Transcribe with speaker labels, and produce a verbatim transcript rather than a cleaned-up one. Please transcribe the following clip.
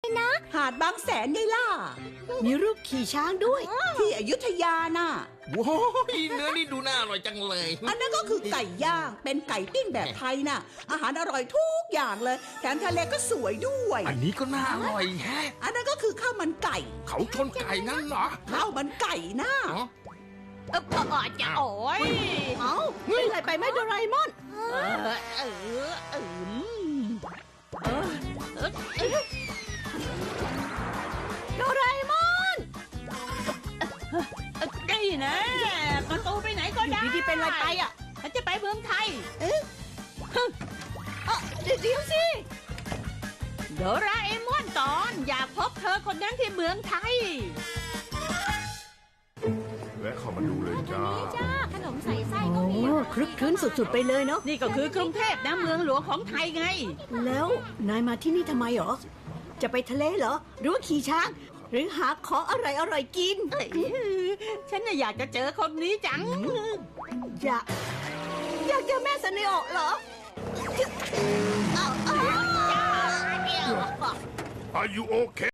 Speaker 1: นะหาดบางแสนไงล่ะ
Speaker 2: มีรูปขี่ช้างด้วย
Speaker 1: ที่อยุธยาน่ะ
Speaker 3: ว้ายเนื้อนี่ดูน่าอร่อยจังเลย
Speaker 1: อันนั้นก็คือไก่ย่างเป็นไก่ปิ้งแบบไทยน่ะอาหารอร่อยทุกอย่างเลยแถมทะเลก็สวยด้วย
Speaker 3: อันนี้ก็น่าอร่อยแฮะ
Speaker 1: อันนั้นก็คือข้าวมันไก่
Speaker 3: เขาชนไก่งั้นเหรอ
Speaker 1: ข้าวมันไก่น่ะ
Speaker 3: อ๋อ
Speaker 4: เออพอจะโอ้ย
Speaker 2: เอ้าเป็นไรไปไหมโดราเอมอน
Speaker 4: เออเออเออเออเออเออ
Speaker 2: โดราเอมอน
Speaker 4: นี่นะประตูไปไหนก็ได้
Speaker 2: ดีๆเป็นไรไปอ่ะ
Speaker 4: ฉันจะไปเมืองไทย
Speaker 2: เอ๊ะเดี๋ยวเดี๋ยวสิ
Speaker 4: โดราเอมอนตอนอยากพบเธอคนนั้นที่เมืองไทย
Speaker 5: และเข้ามาดูเลยจ้า
Speaker 1: จ้าขนมใส่ไส้
Speaker 2: โอ้คลึกคลื้นสุดๆไปเลยเนาะ
Speaker 4: นี่ก็คือกรุงเทพนะเมืองหลวงของไทยไง
Speaker 2: แล้วนายมาที่นี่ทำไมเหรอจะไปทะเลเหรอหรือว่าขี่ช้างหรือหาของอร่อยๆกิน
Speaker 4: เอ้ยฉันน่ะอยากจะเจอคนนี้จัง
Speaker 2: อยากอยากเจอแม่ซันเนโอะเหรอ
Speaker 5: Are you okay